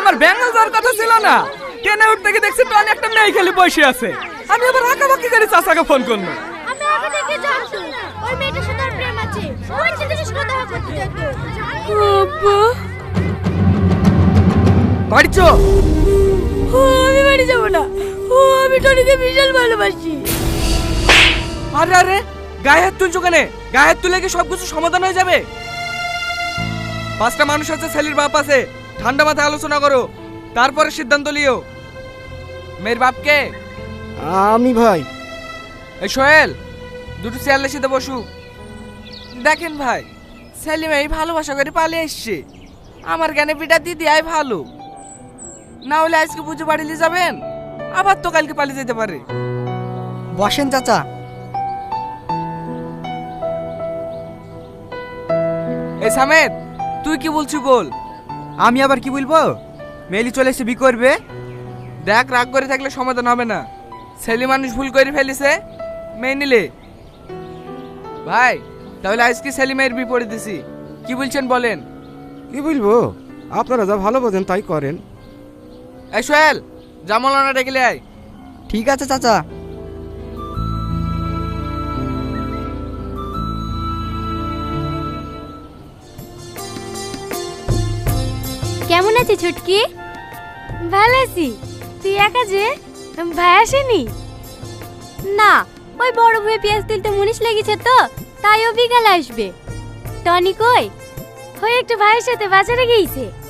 আমার ব্যাঙ্গাল যাওয়ার কথা ছিল না, ট্রেনে উঠতে গিয়ে দেখছি ট্রেনে একটা মেয়ে খেলে বসে আছে। আমি আবার আঁকাবাকি করে চাচাকে ফোন করলো। আমি আগে থেকে জানতো ওই মেয়েটার সাথে ওর প্রেম আছে, ওই ছেলেটার সাথে দেখা করতে যেত। আব্বা, বাড়ি চো। আমি বাড়ি যাবো না, আমি টনিকে বিশাল ভালোবাসি। আরে আরে, গায়ে হাত তুলছো কেন? গায়ে হাত তুলে কি সবকিছু সমাধান হয়ে যাবে? পাঁচটা মানুষ আছে, ছেলের বাপ আছে, ঠান্ডা মাথায় আলোচনা করো, তারপরে সিদ্ধান্ত লিও। মেয়ের বাপকে? আমি ভাই। এই সোহেল, দুটো চেয়ারের সাথে বসু। দেখেন ভাই, সেলিম এই ভালোবাসা করে পালিয়ে এসছে। আমার জ্ঞানে বিটা দিদি আয় ভালো, না হলে আজকে পুজো বাড়িলে যাবেন, আবার তো কালকে পালিয়ে যেতে পারে। বসেন চাচা। এই সামেদ, তুই কি বলছিস বল। আমি আবার কি বলবো? মেলি চলে এসে বি করবে। দেখ, রাগ করে থাকলে সমাধান হবে না। ছেলে মানুষ ভুল করে ফেলিছে, মেয়ে নিলে। ভাই, তাহলে আজকে সেলিমের বিপরীত দিছি, কি বলছেন বলেন। কি বলবো, আপনারা যা ভালো বোঝেন তাই করেন। এই সোহেল, জামলানা ডেকে আয়। ঠিক আছে চাচা। কেমন আছে ছুটকি? ভালো আছি। তুই একা যে, ভাই আসেনি? না, ওই বড় ভুয়ে পেঁয়াজ তুলতে মুনিশ লেগেছে তো, তাই ও বিকালে আসবে। টনি কই? ওই একটু ভাইয়ের সাথে বাজারে গিয়েছে।